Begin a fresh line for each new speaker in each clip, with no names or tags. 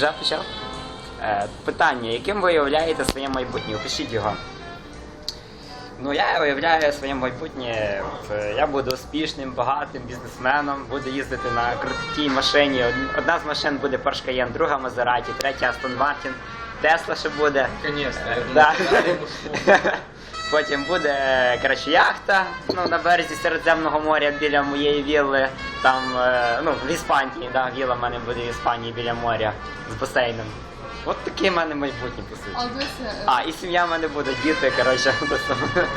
Вже почав? Питання, яким ви уявляєте своє майбутнє? Опишіть його. Ну, я уявляю своє майбутнє, я буду успішним, багатим бізнесменом, буду їздити на крутій машині. Одна з машин буде Porsche Cayenne, друга Maserati, третя Aston Martin, Tesla ще буде.
Конечно.
Потім буде, коротше, яхта, на березі Середземного моря біля моєї вілли, там, в Іспанії, вілла в мене буде в Іспанії біля моря з басейном. От таке в мене майбутнє, по суті. І сім'я в мене буде, діти, коротше.
Дивися,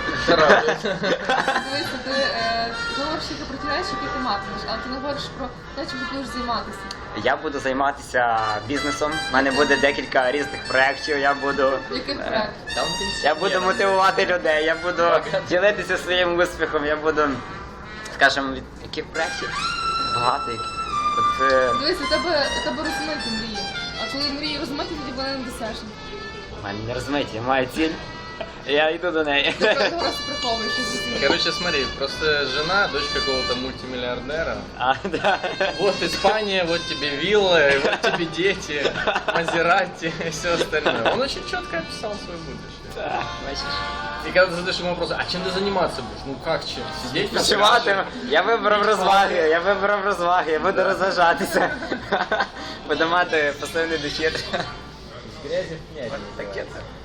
ти говориш тільки про ті речі, які ти матимеш, але ти не говориш про те, чим ти будеш займатися.
Я буду займатися бізнесом, в мене буде декілька різних проєктів, я буду...
Яких проєктів?
Я буду мотивувати людей, я буду ділитися своїм успіхом, я буду, скажімо, від яких проєктів? Багато яких.
Дивись, у тебе розмиті мрії. А коли мрії розмиті, тоді вони не досяжні.
У мене не розмиті, я маю ціль, я йду до неї.
Ти просто приховуєш їх.
Короче, смотри, просто жена, дочь какого-то мультимиллиардера.
Да.
Вот Испания, вот тебе вилла, вот тебе дети, Мазерати и все остальное. Он очень четко описал свое будущее.
Так, бачиш.
И когда ты задаешь ему вопрос, а чем ты заниматься будешь? Ну как чем? Сидеть на
Почувати,
пляже?
я вибрав розваги, я буду розважатися. Буду мати пасивний дохід.
С грязи в князь.
Таке це.